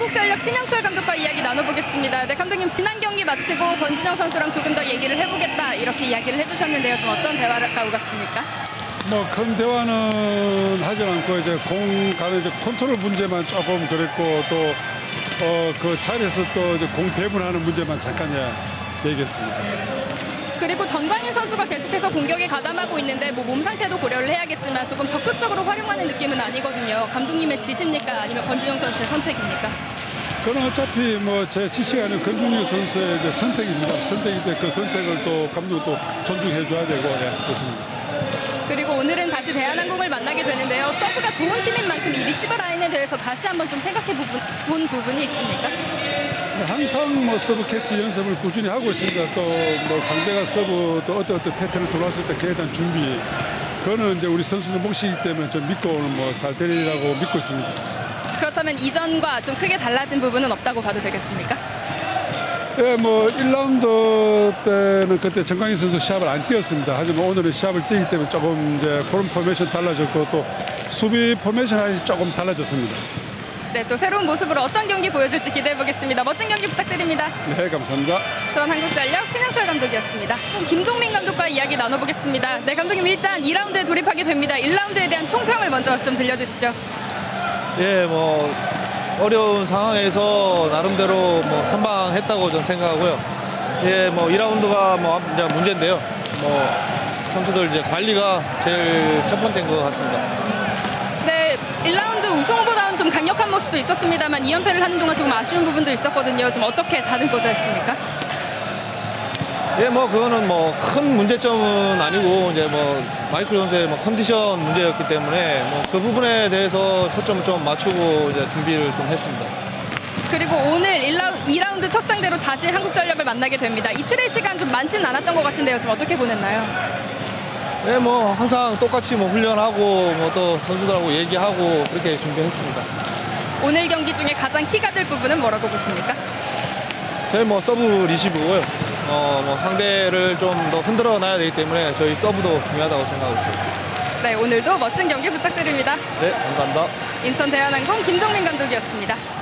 한국전력 신영철 감독과 이야기 나눠보겠습니다. 네, 감독님 지난 경기 마치고 권준영 선수랑 조금 더 얘기를 해보겠다 이렇게 이야기를 해주셨는데요. 좀 어떤 대화가 오갔습니까? 뭐 큰 대화는 하지 않고 이제 공 가는 이제 컨트롤 문제만 조금 그랬고 또 그 자리에서 또 이제 공 배분하는 문제만 잠깐 얘기했습니다. 그리고 정광인 선수가 계속해서 공격에 가담하고 있는데 뭐 몸 상태도 고려를 해야겠지만 조금 적극적으로 활용하는 느낌은 아니거든요. 감독님의 지시입니까? 아니면 권준영 선수의 선택입니까? 그건 어차피 뭐 제 지시가 아니라 권준영 선수의 이제 선택입니다. 선택인데 그 선택을 또 감독도 존중해 줘야 되고 그렇습니다. 그리고 오늘은 다시 대한항공을 만나게 되는데요. 서브가 좋은 팀인 만큼 이 리시버 라인에 대해서 다시 한번 좀 생각해 본 부분이 있습니까? 항상 뭐 서브 캐치 연습을 꾸준히 하고 있습니다. 또 뭐 상대가 서브 또 어떤 패턴을 들어왔을 때 그에 대한 준비 그거는 이제 우리 선수들 몫이기 때문에 좀 믿고 뭐 잘 되리라고 믿고 있습니다. 그렇다면 이전과 좀 크게 달라진 부분은 없다고 봐도 되겠습니까? 예, 뭐 1라운드 때는 그때 정광희 선수 시합을 안 뛰었습니다. 하지만 오늘은 시합을 뛰기 때문에 조금 이제 그런 포메이션 달라졌고 또 수비 포메이션이 조금 달라졌습니다. 네, 또 새로운 모습으로 어떤 경기 보여줄지 기대해 보겠습니다. 멋진 경기 부탁드립니다. 네, 감사합니다. 수원 한국전력 신영철 감독이었습니다. 그럼 김종민 감독과 이야기 나눠보겠습니다. 네, 감독님 일단 2라운드에 돌입하게 됩니다. 1라운드에 대한 총평을 먼저 좀 들려주시죠. 예, 뭐 어려운 상황에서 나름대로 뭐 선방했다고 저는 생각하고요. 예, 뭐 2라운드가 뭐 이제 문제인데요. 뭐 선수들 이제 관리가 제일 첫 번째인 것 같습니다. 네, 1라운드 우승 후보다운 좀 강력한 모습도 있었습니다만 2연패를 하는 동안 조금 아쉬운 부분도 있었거든요. 좀 어떻게 다듬고자 했습니까? 예, 뭐 그거는 뭐 큰 문제점은 아니고 이제 뭐 마이클 선수의 뭐 컨디션 문제였기 때문에 뭐 그 부분에 대해서 초점을 좀 맞추고 이제 준비를 좀 했습니다. 그리고 오늘 2라운드 첫 상대로 다시 한국전력을 만나게 됩니다. 이틀의 시간 좀 많지는 않았던 것 같은데요. 좀 어떻게 보냈나요? 네, 뭐 항상 똑같이 뭐 훈련하고 뭐 또 선수들하고 얘기하고 그렇게 준비했습니다. 오늘 경기 중에 가장 키가 될 부분은 뭐라고 보십니까? 저희 뭐 서브 리시브고요. 뭐 상대를 좀 더 흔들어 놔야 되기 때문에 저희 서브도 중요하다고 생각하고 있습니다. 네, 오늘도 멋진 경기 부탁드립니다. 네, 감사합니다. 인천 대한항공 김종민 감독이었습니다.